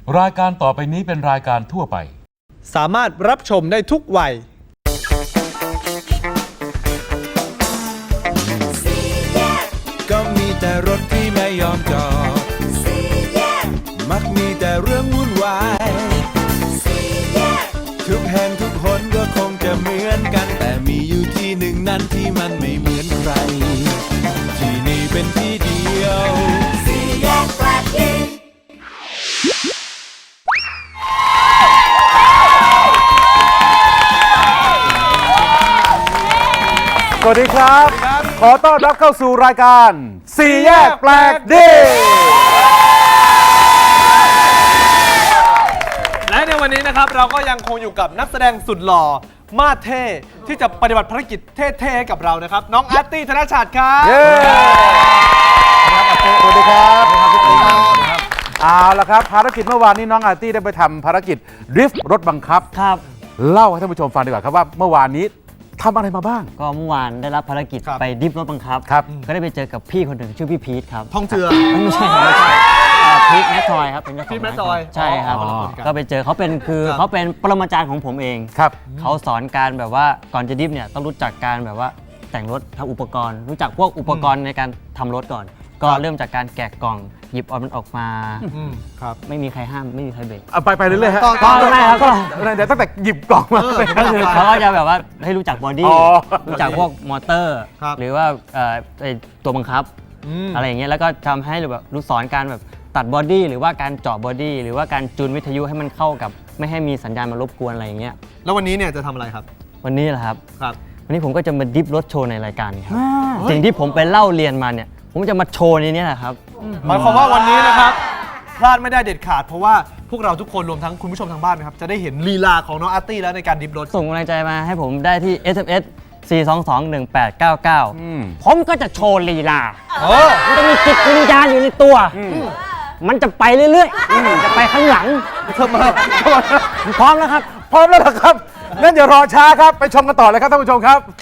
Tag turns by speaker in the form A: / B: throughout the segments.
A: รายการต่อไปนี้เป็นรายการทั่วไป
B: สามารถรับชมได้ทุกวัย
C: ก็มีแต่รถที่ไม่ยอมจอดมักมีแต่เรื่องวุ่นวายทุกแห่งทุกคนก็คงจะเหมือนกันแต่มีอยู่ที่หนึ่งนั้นที่มันไม่เหมือนใครที่นี่เป็นที่เดียวสี่แยกแปลกดี
D: สวัสดีครับ ขอต้อนรับเข้าสู่รายการสี่แยกแปลกดี
B: และในวันนี้นะครับเราก็ยังคงอยู่กับนักแสดงสุดหล่อมาสเท่ที่จะปฏิบัติภารกิจเท่ๆให้กับเรานะครับน้องอาร์ตี้ธนชาติครับ
D: สวัสดีครับเอาละครับภารกิจเมื่อวานนี้น้องอาร์ตี้ได้ไปทำภารกิจดริฟท์รถบังคับ
E: ครับ
D: เล่าให้ท่านผู้ชมฟังดีกว่าครับว่าเมื่อวานนี้ทำอะไรมาบ้าง
E: ก็เมื่อวานได้รับภารกิจไปดิฟรถบังคับก็ได้ไปเจอกับพี่คนหนึ่งชื่อพี่พีทครับ
B: ท่องเจือ
E: ไม่ใช่พีทแมททอยครับเป็นเจ้าของ
B: พีทแมททอย
E: ใช่ครับก็ไปเจอเขาเป็นเขาเป็นปรมาจารย์ของผมเอง
D: ครับ
E: เขาสอนการแบบว่าก่อนจะดิฟเนี่ยต้องรู้จักการแบบว่าแต่งรถทำอุปกรณ์รู้จักพวกอุปกรณ์ในการทำรถก่อนก็เริ่มจากการแกะกล่องหยิบมันออกมา
B: ครับ
E: ไม่มีใครห้ามไม่มีใครเบรก
D: ไปเรื่อยๆฮะ
E: ก็ไม่ครับก็
D: ตั้งแต่หยิบกล่องมา
E: ก็คือเขาก็จะแบบว่าให้รู้จักบอดี้รู้จักพวกมอเตอร์หรือว่าตัวบังคับอะไรอย่างเงี้ยแล้วก็ทำให้แบบรู้สอนการแบบตัดบอดี้หรือว่าการเจาะบอดี้หรือว่าการจูนวิทยุให้มันเข้ากับไม่ให้มีสัญญาณมารบกวนอะไรอย่างเงี้ย
B: แล้ววันนี้เนี่ยจะทำอะไรครับ
E: วันนี้เหรอครับ
B: ครับ
E: วันนี้ผมก็จะมาดิฟรถโชว์ในรายการครับสิ่งที่ผมไปเล่าเรียนมาเนี่ยผมจะมาโชว์ในนี้แหละครับ
B: หมายความว่าวันนี้นะครับพลาดไม่ได้เด็ดขาดเพราะว่าพวกเราทุกคนรวมทั้งคุณผู้ชมทางบ้านนะครับจะได้เห็นลีลาของน้องอาร์ตี้แล้วในการดิฟรถ
E: ส่งกำลังใจมาให้ผมได้ที่ SMS 4221899ผมก็จะโชว์ลีลามันจะมีจิตวิญญาณอยู่ในตัวมันจะไปเรื่อยๆจะไปข้างหลังพร้อมแล้วครับ
D: พร้อมแล้วเหรอครับงั้นอย่ารอช้าครับไปชมกันต่อเลยครับท่านผู้ชมครับ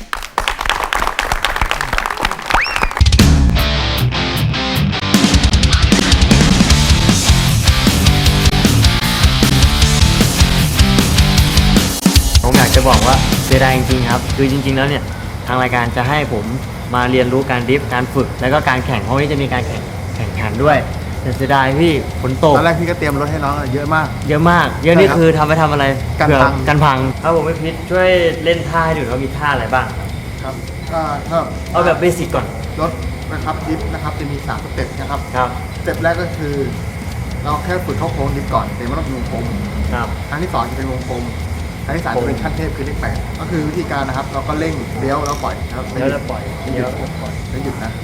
E: ผมอยากจะบอกว่าเสียดายจริงๆครับคือจริงๆแล้วเนี่ยทางรายการจะให้ผมมาเรียนรู้การดริฟต์การฝึกแล้วก็การแข่งเพราะว่าจะมีการแข่งขันด้วยแต่เสียดายพี่ฝนตก
F: ตอนแรกพี่ก็เตรียมรถให้น้องเยอะมาก
E: เยอะนี่คือทำไปทำอะไรกันพังครับผมไม่พิษช่วยเล่นท่าให้ดูว่ามีท่าอะไรบ้าง
F: ครับก็
E: เอาแบบเบสิกก่อน
F: รถนะครับดริฟต์นะครับจะมี3สเต็ปนะครับสเต็ปแรกก็คือเราแค่ฝึกเข้าโค้งดริฟต์ก่อนแต่ไม่ต้องเป็นวงกลมครั้งที่2จะเป็นวงกลมครั้งที่3จะเป็นขั้นเทพคือเลข8ก็คือวิธีการนะครับเราก็เร่งเลี้ยวแล้วปล่อยครับ
E: เลี้ยวแล้วปล่อย
F: แล้วหยุดนะ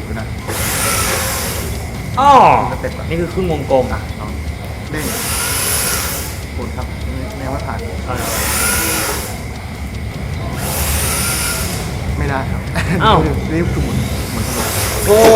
E: อ๋อนี่คือครึ่งวงกลม
F: เร่งหมุนครับแนวว่าผ่านไม่ได้ครับนี่คือหมุนธรรมดา
E: โอ้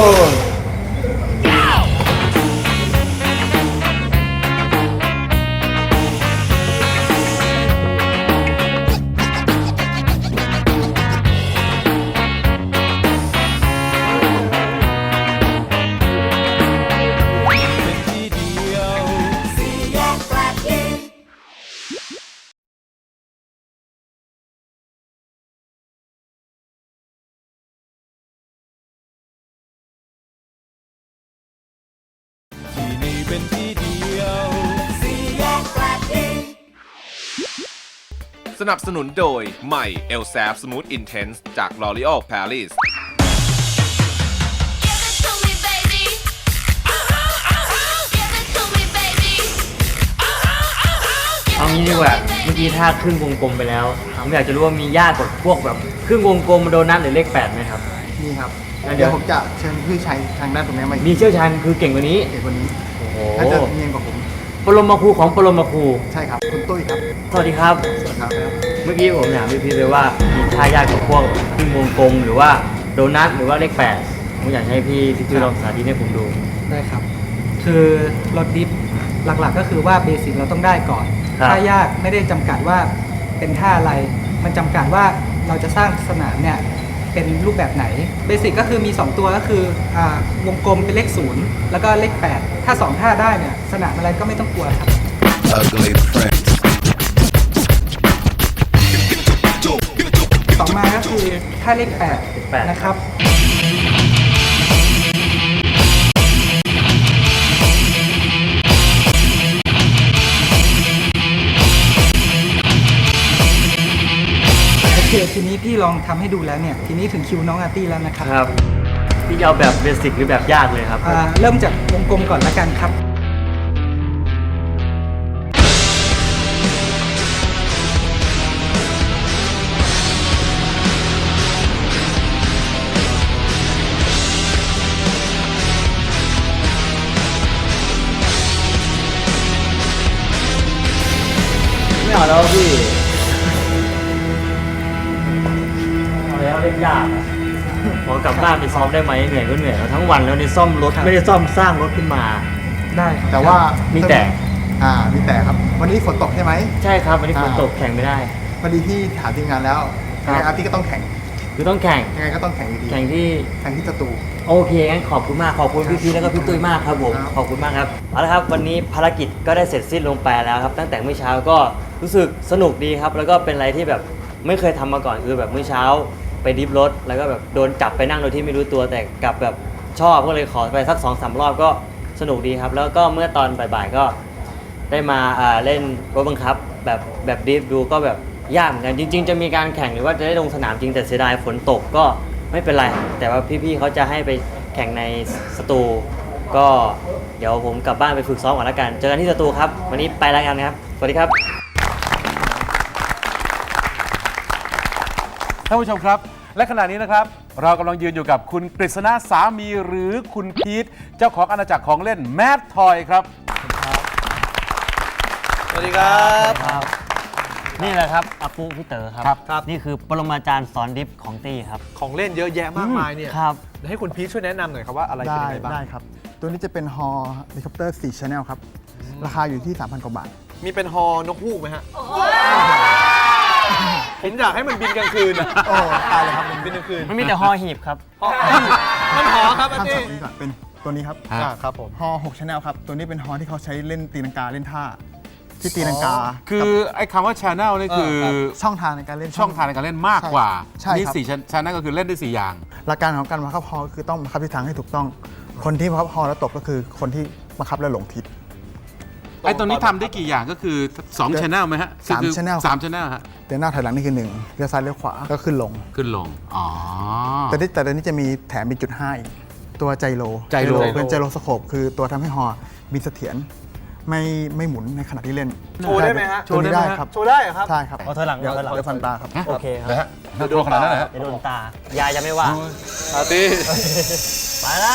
C: เป็นที่เดียวสี่แยกแปลกดีสนับสนุนโดยใหม่ Elsap Smooth Intense จาก L'Oreal Paris
E: เอางี้ดีกว่าเมื่อกี้ท่าครึ่งวงกลมไปแล้วผมอยากจะรู้ว่ามียากกว่าพวกแบบครึ่งวงกลมโดนัทหรือเลข8ไหมครับ
F: นี่ครับเดี๋ยวผมจะเชิญพี่ชัยทางด้านตรงนี้มา
E: มีเชี่ยวชาญคือเก่งกว่านี้
F: ถ้าจะเนียนกว่าผม
E: ปรมาครูของปรมาครู
F: ใช่ครับคุณตุ้ยครับ
E: สวัสดีครับเมื่อกี้ผมถามพี่เลยว่ามีท่ายากกว่าพวกครึ่งวงกลมหรือว่าโดนัทหรือว่าเลข8ผมอยากให้พี่ลองสาธิตให้ผมดู
G: ได้ครับคือรถดิฟหลักๆก็คือว่าเบสิกเราต้องได้ก่อนท่ายากไม่ได้จำกัดว่าเป็นท่าอะไรมันจำกัดว่าเราจะสร้างสนามเนี่ยเป็นรูปแบบไหนเบสิกก็คือมี2ตัวก็คือวงกลมเป็นเลข0แล้วก็เลข8ถ้า2ท่าได้เนี่ยสนามอะไรก็ไม่ต้องกลัวครับ
C: ugly prince.
G: ต่อมาก็คือท่าเลข8นะครับ โอเค ทีนี้พี่ลองทำให้ดูแล้วเนี่ย ทีนี้ถึงคิวน้องอาร์ตี้แล้วนะครับ
E: ครับ พี่จะเอาแบบเบสิกหรือแบบยากเลยครับ
G: เริ่มจากวงกลมก่อนละกันครับ
E: ไม่เอาแล้วพี่เอาแล้วเล่นยากอะขอกลับบ้านไปซ้อมได้ไหมเหนื่อยก็เหนื่อยแล้วทั้งวันแล้วนี่ซ่อมรถ
G: ครับ
E: ไม่ได้ซ่อมสร้างรถขึ้นมา
G: ได้ครับ
F: แต่ว่า
E: มี
F: มี
E: แต่
F: มีแต่ครับ วันนี้ฝนตกใช่ไหม
E: ใช่ครับวันนี้ฝนตกแข่งไม่ได้
F: พอดีพี่ถามทีมงานแล้ว
E: ครับ
F: ยังไงอาร์ตี้ก็ต้องแข่ง
E: คือต้องแข่ง
F: ยังไงก็ต้องแข่งอยู่ดี
E: แข่งที่
F: แข่งที่สตู
E: โอเคงั้นขอบคุณมากขอบคุณพี่พีแล้วก็พี่ตุ้ยมากครับผม
F: ครับ
E: ขอบคุณมากครับเอาละครับวันนี้ภารกิจก็ได้เสร็จสิ้นลงไปแล้วครับตั้งแต่เมื่อเช้าก็รู้สึกสนุกดีครับแล้วก็เป็นอะไรที่แบบไม่เคยทำมาก่อนคือแบบเมื่อเช้าไปดริฟท์รถแล้วก็แบบโดนจับไปนั่งโดยที่ไม่รู้ตัวแต่กลับแบบชอบก็เลยขอไปสัก 2-3 รอบก็สนุกดีครับแล้วก็เมื่อตอนบ่ายๆก็ได้มาเล่นรถบังคับแบบดริฟท์ดูก็แบบยากเหมือนกันจริง ๆ จะมีการแข่งหรือว่าจะได้ลงสนามจริงแต่เสียดายฝนตกก็ไม่เป็นไรแต่ว่าพี่ๆเขาจะให้ไปแข่งในสตูก็เดี๋ยวผมกลับบ้านไปฝึกซ้อมก่อนแล้วกันเจอกันที่สตูครับวันนี้ไปแล้วกันครับสวัสดีครับ
D: ท่านผู้ชมครับ และขณะนี้นะครับ เรากำลังยืนอยู่กับคุณกฤษณะสามีหรือคุณพีทเจ้าของอาณาจักรของเล่นแมดทอยครับ
B: สวัสดีครับ
E: ครับนี่แหละครับอาปุพี่เต๋อครับ
B: ครับ
E: นี่คือปรมาจารย์สอนดริฟท์ของตี้ครับ
B: ของเล่นเยอะแยะมากมายเนี่ย
E: ครับ
B: เดี๋ยวให้คุณพีชช่วยแนะนำหน่อยครับว่าอะไรเป็นยังไงบ้าง
F: ได้ครับ ตัวนี้จะเป็นฮอเฮลิคอปเตอร์4 Channel ครับ ราคาอยู่ที่ 3,000 กว่าบาท
B: มีเป็นฮอนกฮูกไหมฮะผมอยากให้มันบินกลางคืนอะ
F: โอ้ตายเลยครับ
B: บินกลางคืน
E: มันมีแต่ฮอหีบครับ
B: มันหอครับอา
F: ข้าม
B: ร์ตี้
F: ช็อตนี้ก่อนเป็นตัวนี้ครับ
B: ครับผม
F: ฮอ6 Channel ครับ ตัวนี้เป็นฮอที่เขาใช้เล่นตีลังกาเล่นท่า ที่ตีลังกา
D: คือไอ้คำว่า channel นี่คือ
F: ช่องทางในการเล่น
D: ช่องทางในการเล่นมากกว่า
F: ใช่ครับ
D: นี่4 channel ก็คือเล่นได้ 4 อย่าง
F: หลักการของการบังคับฮอคือต้องบังคับทิศทางให้ถูกต้อง คนที่บังคับฮอแล้วตกก็คือคนที่บังคับแล้วหลงทิศ
D: ไอ้ตัวนี้ทำได้กี่อย่างก็คือ 2 channel ไหมฮะ
F: สาม
D: คือ
F: channel
D: 3 channel ฮะ
F: เดินหน้าถอยหลังนี่คือ1เลี้ยวซ้ายเลี้ยวขวาก็ขึ้นลง
D: ขึ้นลง อ๋อ
F: แต่ตอนนี้จะมีแถมเป็นจุด5อีกตัวไจโร
D: ไจโร
F: เป็นไจโรสโคปคือตัวทำให้ฮอบินเสถียรไม่หมุนในขณะที่เล่น
B: โชว์ได้ไหมฮะ
F: โชว์ได้ครับ
B: โชว์ได้เหรอครับ
F: ใช่ครับ
E: เอาถอยหลัง
F: เดี๋ยว
E: ถอยหลัง
F: เดี๋ยวฟันตาครับ
E: โอเคครับ
D: นะฮะน่ากลัวขนาดนั้นเหรอฮะ
E: จะโดนตา ยายจะไม่ว่า
B: อาร์ตี้
E: ไปแล้ว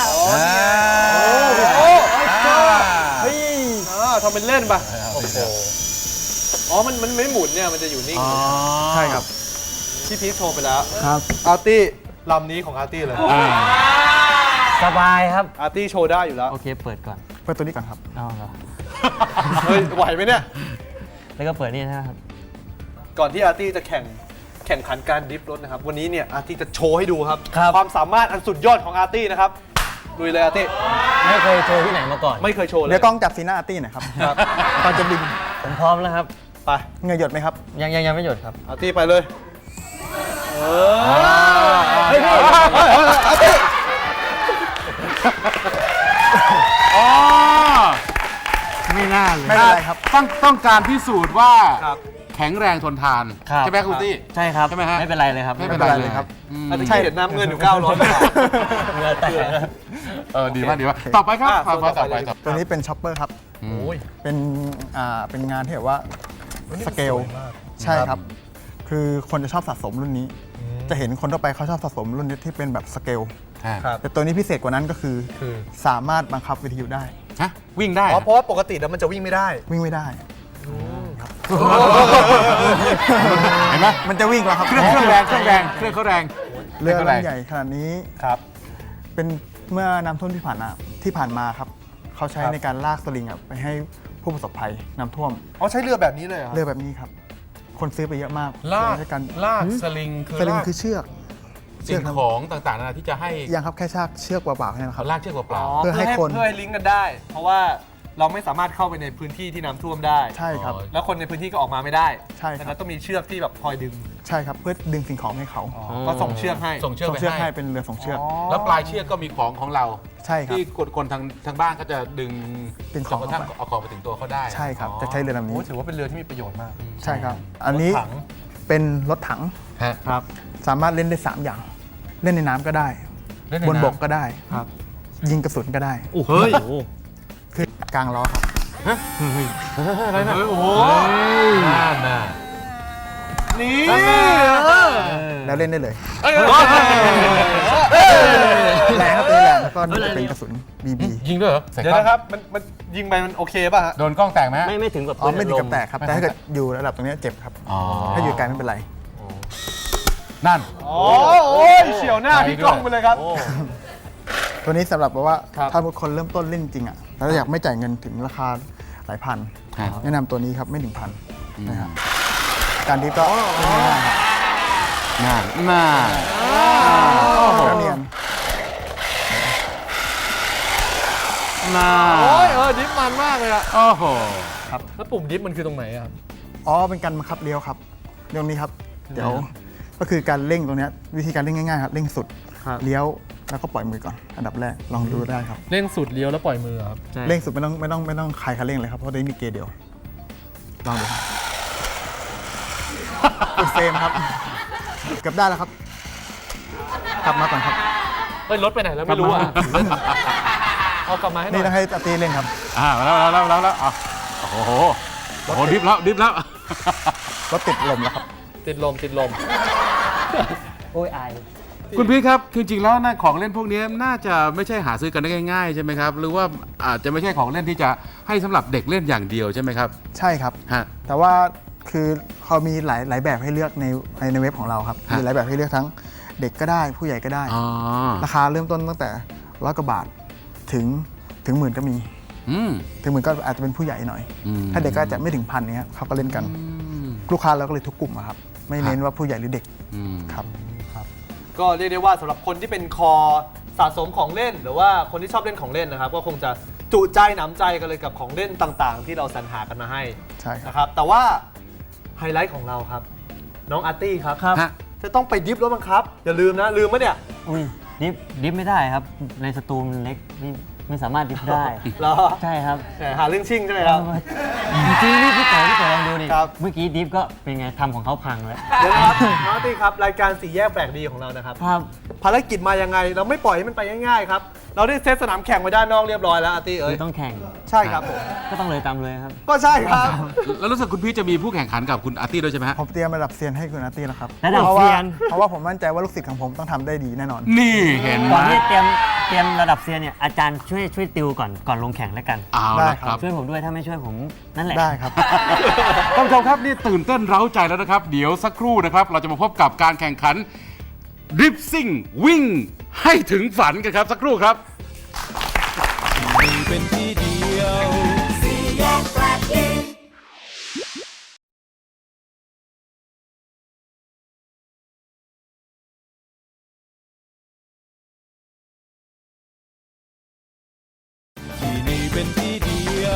B: เฮ้ยทำเป็นเล่นปะโอ้โหอ๋อมันไม่หมุนเนี่ยมันจะอยู่นิ่งเลย
F: ใช่ครับ
B: พี่พีชโชว์ไปแล้ว
F: ครับ
B: อาร์ตี้ลำนี้ของอาร์ตี้เลย
E: สบายครับ
B: อาร์ตี้โชว์ได้อยู่แล้ว
E: โอเคเปิดก่อน
F: เปิดตัวนี้ก่อนครับ
E: เอาเหรอ
B: เฮ้ยไหวไหมเนี่ย
E: แล้วก็เปิดนี่นะครับ
B: ก่อนที่อาร์ตี้จะแข่งขันการดริฟท์รถนะครับ วันนี้เนี่ยอาร์ตี้จะโชว์ให้ดูครับ
E: ครับ
B: ความสามารถอันสุดยอดของอาร์ตี้นะครับลุยเลยอาร์ตี้
E: ไม่เคยโชว์ที่ไหนมาก่อน
B: ไม่เคยโชว์เลย
F: เดี๋ยวกล้องจับซีหน้าอาร์ตี้หน่อยครับ
B: ครับ
F: ตอนจะบิน
E: ผมพร้อมแล้วครับ
B: ไป
F: เหงื่อหยดไหมครับ
E: ยังไม่หยุดครับ
B: อาร์ตี้ไปเลยเฮ้ยพี่อาร์ตี้
D: อ๋อ
E: ไม่น่าเลย
F: ไม่เป็นไรครับ
D: ต้องการพิสูจน์ว่า
B: ครับ
D: แข็งแรงทนทาน
E: ครับ
D: ใช่ไหมคุณตี้
E: ใช่ครับ
D: ใช่ไหมฮะ
E: ไม่เป็นไรเลยครับ
D: ไม่เป็นไรเลย
F: ครับ
D: อืม
B: อาร์ตี้เห็นน้ำเงินอยู่900บาท
E: เหงื่อแตกแล้ว
D: ดีมากดีมากต่อไปครับ
B: อ่ะ
D: ต่อไป
B: ต่อไป
F: ตัวนี้เป็นช็อปเปอร์ครับ
D: อืม
F: เป็นงานที่แบบว่าสเกลใช่ครับ คือคนจะชอบสะสมรุ่นนี้ จะเห็นคนทั่วไปเขาชอบสะสมรุ่นนี้ที่เป็นแบบสเกล
B: ครับ
F: แต่ตัวนี้พิเศษกว่านั้นก็คือสามารถบังคับวิทยุได้
D: ฮะวิ่งได้
B: อ๋อเพราะว่าปกติแล้วมันจะวิ่งไม่ได้
F: วิ่งไม่ได้
D: เห็นไหม
F: มันจะวิ่งแล้วครับ
D: เครื่องแรงเครื่องเขาแรง
F: เรือ
D: คงขาแรง
F: ลำใหญ่ขนาดนี้
B: ครับ
F: เป็นเมื่อน้ำท่วมที่ผ่านมาครับเขาใช้
B: ครับ
F: ในการลากสลิงไปให้ผู้ประสบภัยน้ำท่วม
B: อ๋อใช้เรือแบบนี้เลยเหรอครับ
F: เรือแบบนี้ครับ คนซื้อไปเยอะมาก
D: ลาก
F: ใช้กัน
D: ลากสลิงคือ
F: สลิง
D: ลาก
F: คือเชือก
D: สิ่งของต่างๆนานาที่จะให้
F: ยังครับแค่เชือกเปล่าๆแค่นั้นค
D: เขา
F: รับ
D: ลากเชือกเปล่า
B: อ๋อ
F: เพื่อให้คน
B: เพื่อให้ลิงก์กันได้ เพราะว่าเราไม่สามารถเข้าไปในพื้นที่ที่น้ำท่วมได้
F: ใช่ครับ
B: แล้วคนในพื้นที่ก็ออกมาไม่ได้
F: ใช่ครับ
B: ดังนั้นต้องมีเชือกที่แบบคอยดึง
F: ใช่ครับเพื่อดึงสิ่งของให้เขา
B: ก็ส่งเชือกให้
D: ส่งเชือก
F: ส่ง
D: ไป
F: เชือกให้
D: ให้
F: เป็นเรือส่งเชือก
D: แล้วปลายเชือกก็มีของเรา
F: ใช่ครับ
D: ที่คนทางบ้านก็จะดึง
F: ดึง
D: จ
F: ของ
D: นกระทั่งเอาของไปถึงตัวเขาได้
F: ใช่ครับจะใช้เรือลำนี้
B: โอ้ถือว่าเป็นเรือที่มีประโยชน์มาก
F: ใช่ครับ อันนี้
B: รถถัง
F: เป็นรถถัง
D: ฮะ
B: ครับ
F: สามารถเล่นได้ 3 อย่าง เล่นในน้ำก็ได้
D: เล่นใน
F: บน
D: น้ำ
F: บกก็ได้
B: ครับ
F: ยิงกระสุนก็ได้
B: เฮ้ย
F: คือกลางล้อครับ
B: อะไรนะโอ้โห
D: น่าน่า
B: นี่
F: แล้วเล่นได้เลย
B: เอ้ย
F: แรงครับตัวนี้แรงแล้วก็นี่จะเป็นกระสุน BB
D: ยิงด้วยเหรอใส่
B: เดี๋ยว
D: กล้อง
B: นะครับมันยิงไปมันโอเคป่ะฮะ
D: โดนกล้องแตกไหม
E: ไม่ถึงกับ
F: อ๋อไม่ถึงกับ
E: ล
F: แตกครับ แต่ถ้าเกิดอยู่ระดับตรงนี้เจ็บครับ
D: อ๋อ
F: ถ้าอยู่ไกลไม่เป็นไร
D: นั่น
B: โอ้ยเฉียวหน้าพี่กล้องไปเลยครับ
F: ตัวนี้สำหรับแบบว่า
B: ครับ
F: ถ้าคนเริ่มต้นเล่นจริงอ่ะแล้วอยากไม่จ่ายเงินถึงราคาหลายพัน
D: ครับ
F: แนะนำตัวนี้ครับไม่ถึงพันนะครับการดิฟก็ง่ายๆครับ
D: น่าน่า
F: ก็เนียน
D: น่า
B: โอ้ยดิฟมันมากเลยอะ
D: โอ้โห
B: แล้วปุ่มดิฟมันคือตรงไหนอะครับ
F: อ๋อเป็นการบังคับเลี้ยวครับเรื่องนี้ครับ เดี๋ยวก็คือการเร่งตรงเนี้ยวิธีการเร่งง่ายๆครับเร่งสุด
B: ครับ
F: เลี้ยวแล้วก็ปล่อยมือก่อนอันดับแรกลองดูได้ครับ
B: เร่งสุดเลี้ยวแล้วปล่อยมือครับ
E: ใช่
F: เร่งสุดไม่ต้องคลายคันเร่งเลยครับเพราะได้มีเกียร์เดียวลองดูครับอุดเฟรมครับเกือบได้แล้วครับกลับมาก่อนครับ
B: เฮ้ยรถไปไหนแล้วไม่รู้อะเอากลับมาให้หน่
F: นี่
B: อย
F: ต้องให้อาตีเล่นครับ
D: มาแล้วอ่ะโอ้โหโอ้โหดิฟแล้ว
F: รถติดลมแล้วครับ
B: ติดลม
E: โอ้ยอาย
D: คุณพี่ครับคือจริงๆแล้วนะของเล่นพวกนี้น่าจะไม่ใช่หาซื้อกันได้ง่ายๆใช่ไหมครับ หรือว่าอาจจะไม่ใช่ของเล่นที่จะให้สำหรับเด็กเล่นอย่างเดียวใช่ไหมครับ
F: ใช่ครับ
D: ฮะ
F: แต่ว่าคือเขามีหลายแบบให้เลือกในเว็บของเราครับ
D: ฮะ
F: มีหลายแบบให้เลือกทั้งเด็กก็ได้ผู้ใหญ่ก็ได้
D: อ๋อ
F: ราคาเริ่มต้นตั้งแต่100 กว่าบาทถึงหมื่นก็มี
D: อืม
F: ถึงหมื่นก็อาจจะเป็นผู้ใหญ่หน่อย
D: อืม
F: ถ้าเด็กก็อาจจะไม่ถึงพันเนี้ยเขาก็เล่นกัน ลูกค้าเราก็เลยทุกกลุ่มอะครับ ไม่เน้นว่าผู้ใหญ่หรือเด็ก
D: อืม
F: ครับ
B: ก็เรียกได้ว่าสำหรับคนที่เป็นคอสะสมของเล่น หรือว่าคนที่ชอบเล่นของเล่นนะครับ ก็คงจะจุใจหนำใจกันเลยกับของเล่นต่างๆ ที่เราสรรหากันมาให้
F: ใช่ครับ
B: นะครับ แต่ว่าไฮไลท์ของเราครับ น้องอาร์ตี้ครับ
D: ฮะ
B: จะต้องไปดิฟรถบังคับ อย่าลืมนะ ลืมปะเนี่ย
E: อุ้ยดิฟไม่ได้ครับ ในสตูมันเล็กไม่สามารถดิฟได้
B: เหรอ
E: ใช่ครับ
B: แหมหาเรื่องชิ่งใช่ไหมครับ
E: จริงๆนี่พี่ต่อลองดูดิ
B: ครับ
E: เมื่อกี้ดิฟก็เป็นไงทำของเขาพังแล้ว
B: เดี๋ยวนะครับน้องอาร์ตี้ครับรายการสี่แยกแปลกดีของเรานะครับ
E: ครับ
B: ภารกิจมายังไงเราไม่ปล่อยให้มันไปง่ายๆครับ เราได้เซตสนามแข่งไว้ด้านนอกเรียบร้อยแล้วอาร์ตี้เอ้ย
E: คือต้องแข่ง
B: ใช่ครับผม
E: ก็ต้องเลยตามเลยครับ
B: ก็ใช่ครับ
D: แล้วรู้สึกคุณพี่จะมีผู้แข่งขันกับคุณอาร์ตี้ด้วยใช่ไหมฮะ
F: ผมเตรียมระดับเซียนให้คุณอาร์ตี้แล้วครับ
E: ระดับ
F: พาะว่า
E: เซียน
F: เพราะว่าผมมั่นใจว่าลูกศิษย์ของผมต้องทำได้ดีแน่นอน
D: นี่เห็นไหม
E: ก่อนที่จะเตรียมระดับเซียนเนี่ยอาจารย์ช่วยติวก่อนลงแข่งแล้วกัน
D: เอา
F: ได้
D: ละ
F: ค
D: ค
F: รั
D: รับ บ
E: ช่วยผมด้วยถ้าไม่ช่วยผมนั่นแหละ
F: ได้ครับ
D: ท่านผู้ชมครับนี่ตื่นเต้นเร้าใจแล้วนะครับ เดี๋ยวสักครู่นะครับ เราจะมาพบกับการแข่งขันดริฟซิ่งวิ่งให้ถึงฝันกันครับ สักครู่ครับ
C: มีเป็นที่เดียว ที่นี่เป็นที่เดียว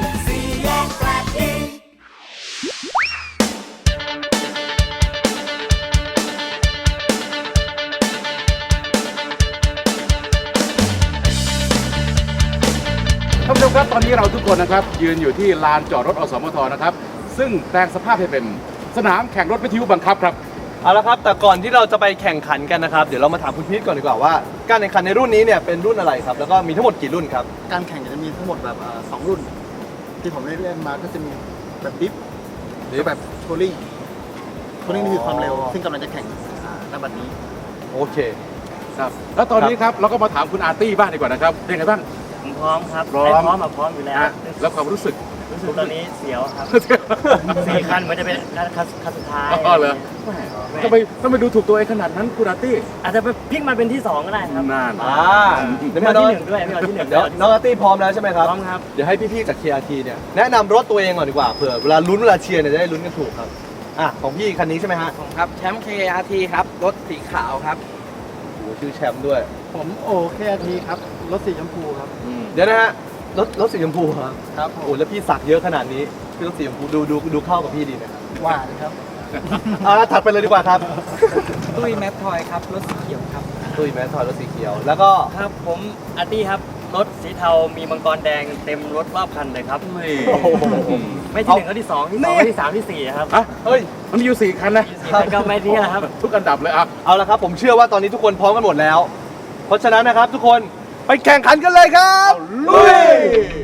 D: ท่านผู้ชมครับตอนนี้เราทุกคนนะครับยืนอยู่ที่ลานจอดรถอสมทนะครับ ซึ่งแปลงสภาพให้เป็นสนามแข่งรถวิทยุบังคับครับ
B: เอาละครับ แต่ก่อนที่เราจะไปแข่งขันกันนะครับ เดี๋ยวเรามาถามคุณพีทก่อนดีกว่าว่า การแข่งขันในรุ่นนี้เนี่ยเป็นรุ่นอะไรครับ แล้วก็มีทั้งหมดกี่รุ่นครับ
F: การแข่งจะมีทั้งหมดแบบ2 รุ่น ที่ผมได้เล่นมาก็จะมีแบบดิฟหรือแบบโทลิ่งนี่คือความเร็ว ซึ่งกำลังจะแข่งณบัดนี้
B: โอเค
D: ครับ แล้วตอนนี้ครับเราก็มาถามคุณอาร์ตี้บ้างดีกว่านะครับ เป็นไงบ้าง
E: ผมพร้อมครับ
D: พร้อม
E: ไม่พร้อมพร้อมอยู่แล้ว
D: ฮะแล้วความรู้สึก
E: รู้สึกตอนนี้เสียวครับ 4 คันมันจะเป็นคันสุดท้าย
D: อ๋อเหรอทำไมดูถูกตัวเองขนาดนั้นคุณอาร์ตี้
E: อาจจะไปพลิกมาเป็นที่ 2 ก็ได้ครับ
D: นาน
B: เดี๋ยว
E: ไม่
B: มา
E: เอา
B: น้อง
E: ที่ 1 ด้วยไม่เอาที่ 1
B: เดี๋ยวน้องอาร์ตี้พร้อมแล้วใช่ไหมครับ
E: พร้อมครับ
B: เดี๋ยวให้พี่ๆจาก KRT เนี่ยแนะนำรถตัวเองก่อนดีกว่าเผื่อเวลาลุ้นเวลาเชียร์เนี่ยจะได้ลุ้นกันถูกครับอ่ะของพี่คันนี้ใช่ไหมฮะ
H: ครับแชมป์ KRT ครับรถสีขาวครับ
B: โอ้โหชื่อแชมป์ด้วย
F: ผมโอเคทีครับ รถสีชมพูครับ
B: เดี๋ยวนะฮะรถสีชมพูครับ
F: ครับ
B: โอ้แล้วพี่สักเยอะขนาดนี้พี่รถสีชมพูดูเข้ากับพี่ดีไหมครับ
F: ว่าครับ
B: เอาละถัดไปเลยดีกว่าครับ
G: ตุ้ยแมปทอยครับรถสีเขียวครับ
B: ตุ้ยแมสทอยรถสีเขียว แล้วก็
E: ครับผมอาร์ตี้ครับรถสีเทามีมังกรแดงเต็มรถรอบคันเลยครับ
B: โอ้โห
E: ไม่ที่หนึ่งก็ที่สองที่สองก็ที่สามที่สี่ครับ
D: อ่ะ
B: เฮ้ย
D: มันมีอยู่4คันนะ
E: สี่คันก็ไม่ที่นะครับ
D: ทุกอันดับเลยอ่ะ
B: เอาละครับผมเชื่อว่าตอนนี้ทุกคนพร้อมกันหมดแล้ว เพราะฉะนั้นนะครับทุกคนไปแข่งขันกันเลยครับลุย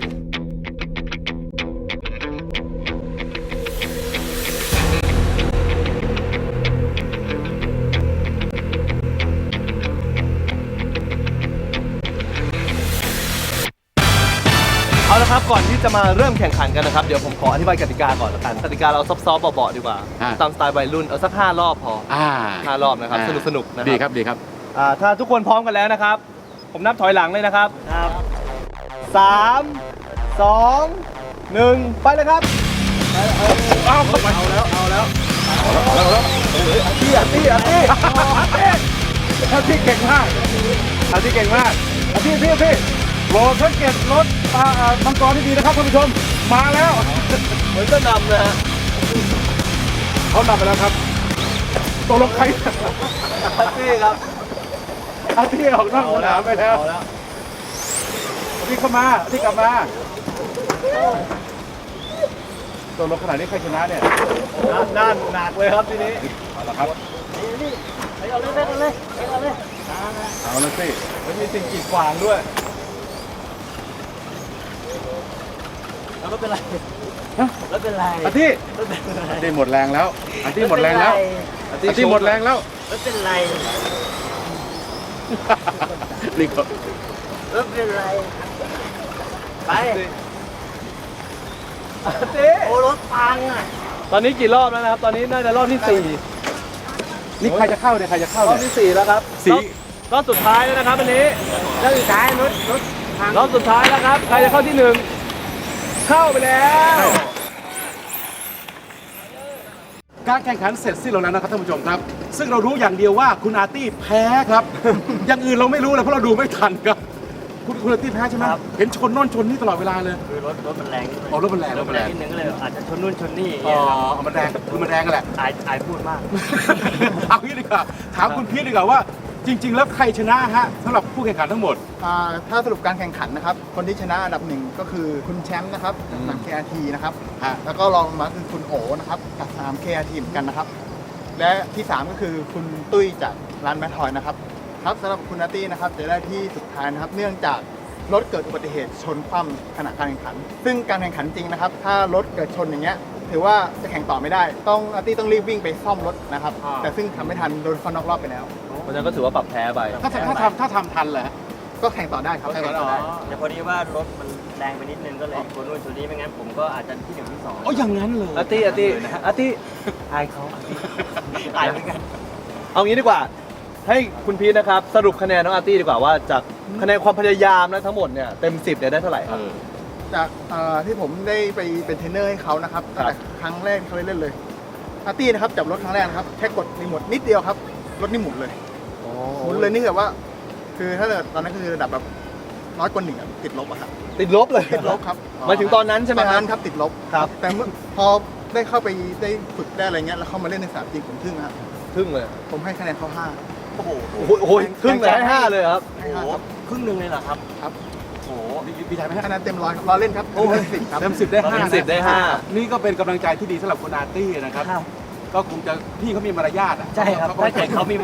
B: เอาละครับก่อนที่จะมาเริ่มแข่งขันกันนะครับเดี๋ยวผมขออธิบายกติกาก่อนละกันกติกาเราซอฟต์ๆเบาๆดีกว่า
D: อ่า
B: ตามสไตล์วัยรุ่นเอาสัก5รอบพอ 5 รอบนะครับสนุกๆนะ
D: ดี
B: ค
D: ครับ รับดีครับ
B: ถ้าทุกคนพร้อมกันแล้วนะครับ ผมนับถอยหลังเลยนะครับ
E: ครับ
B: 3 2 1 ไปเลยครับเอาแล้วอาร์ตี้เก่งมากพี่
D: โปรสังเกตรถมังกรที่ดีนะครับท่านผู้ชมมาแล้ว
B: เหมือนจะนำนะฮะ
D: เขานำไปแล้วครับตกลงใคร
B: อาร์ตี้ครับ
D: อาที่ออกนอกสนามไปแล้ว
B: เอาแล้ว
D: อาที่เข้ามาอาที่กลับมาตกลงขนาดนี้ใครชนะเนี่ย
B: ด้านหนักเลยครับทีนี้
D: เอาละครับ
E: เอาเลย
D: เอาละสิ
B: มันมีสิ่งกีดขวางด้วย
E: แล้วไม่เป็นไรแล้วเป็นไร
D: อาที่อาที่หมดแรงแล้วอาที่หมดแรงแล้วอาที่หมดแรงแล้ว
E: แล้วเป็นไร
D: รีบ
E: แล้วเป็นไรไป
B: อาร์ตี้
E: โอ้รถพังอ่ะ
B: ตอนนี้กี่รอบแล้วนะครับ ตอนนี้น่าจะรอบที่
D: นี่ใครจะเข้าเนี่ยใครจะเข้า
B: 4 รอบ
D: เนี่ย
B: ที่ 4 แล้วครับ
D: สี่
B: รอบสุดท้ายแล้วนะครับอันนี้
E: แล้วสุดท้ายรถพัง
B: รอบสุดท้ายแล้วครับ ใครจะเข้าที่ 1 เข้าไปแล้ว
D: การแข่งขันเสร็จสิ้นลงแล้วนะครับท่านผู้ชมครับ ซึ่งเรารู้อย่างเดียวว่าคุณอาร์ตี้แพ้ครับ อย่างอื่นเราไม่รู้เลยเพราะเราดูไม่ทันครับ คุณอาร์ตี้แพ้ใช่ไหมเห็นชนโน่นชนนี่ตลอดเวลาเลย
E: คือรถมันแรง
D: อ๋อรถมันแรง
E: รถมันแรงนิดนึงก็เลยอาจจะชนนู่นชนนี่อย่าง
D: อ๋
E: เงี้
D: อย
E: ครับ
D: มันแรงคือมันแรงกันแหละ
E: อายพูดมาก
D: เอางี้ดีกว่าถามคุณพีทดีกว่าว่า จริง ๆ แล้วใครชนะฮะสำหรับผู้แข่งขันทั้งหมด
F: ถ้าสรุปการแข่งขันนะครับ คนที่ชนะอันดับหนึ่งก็คือคุณแชมป์นะครับจาก KRT นะครับ แล้วก็รองลงมาคือคุณโอนะครับจาก3 KRT เหมือนกันนะครับ และที่ 3 ก็คือคุณตุ้ยจากร้านแมททอยนะครับ ครับสำหรับคุณนาตี้นะครับจะได้ที่สุดท้ายนะครับ เนื่องจากรถเกิดอุบัติเหตุชนคว่ำขณะการแข่งขัน ซึ่งการแข่งขันจริงนะครับ ถ้ารถเกิดชนอย่างเงี้ยถือว่าจะแข่งต่อไม่ได้ นาตี้ต้องรีบวิ่งไปซ่อมรถนะครับ แต่ซึ่งทำไม่ทันโดนเข้านอกรอบไปแล้ว
B: เพราะฉะนั้นก็ถือว่าปรับแพ้ไป
D: ถ้าทำทันเหรอฮะ
F: ก็แข่งต่อได้ครับ
D: แข่งต่อได้
E: แต่พอดีว่ารถมันแรงไปนิดนึงก็เลยชนนู่นชนนี่ไม่งั้นผมก็อาจจะที่หนึ่งที่สอง
D: อ๋ออย่างนั้นเลย
B: อาร์ตี้อายเขา
E: ตายเหมือนกัน
B: เอางี้ดีกว่า ให้คุณพีทนะครับ สรุปคะแนนน้องอาร์ตี้ดีกว่าว่าจากคะแนนความพยายามนะทั้งหมดเนี่ยเต็ม 10เนี่ยได้เท่าไหร่ครับ
F: จากที่ผมได้ไปเป็นเทรนเนอร์ให้เขานะครับตั้งแต่ครั้งแรกเขาเล่นเลยอาร์ตี้นะครับจับรถครั้งแรกนะครับแค่กดรีโมทนิดเดียวครับรถนี่หมุนเลยหมุนเลยนี่แบบว่า คือถ้าเกิดตอนนั้นคือระดับแบบน้อยกว่า1อะติดลบอะครับ
B: ติดลบเลย
F: ติดลบครับ
B: หมายถึงตอนนั้นใช่ไหม
F: ตอน
B: ครั
F: นั้
B: บ
F: นครับติดลบ
B: ครับ
F: แต่เมื่อพอได้เข้าไปได้ฝึกได้อะไรเงี้ยแล้วเข้ามาเล่นในสนามจริงผมทึ่งครับ
B: ครึ่งเลย
F: ผมให้คะแนนเขา5
B: โอ้โหครึ่งเลยให้5เลยครับ
F: ให้5ครับ
E: ครึ่งหนึ่งเลยเหรอครับ
F: ครับ
E: โอ้
D: ดีใจไหมฮะ
F: คะแนนเต็ม100ครับรอเล่นครับเต็ม10ครับ
D: เต็ม10 ได้
B: เต็ม
D: 5
B: 10ได้5
D: นี่ก็เป็นกำลังใจที่ดีสำหรับคุณอาร์ตี้นะครับ ก็คงจะพี่เขามีมารยาทอ่ะ
E: ใช่ครับ
D: เขาก็
E: ถ้าเกิดเขามี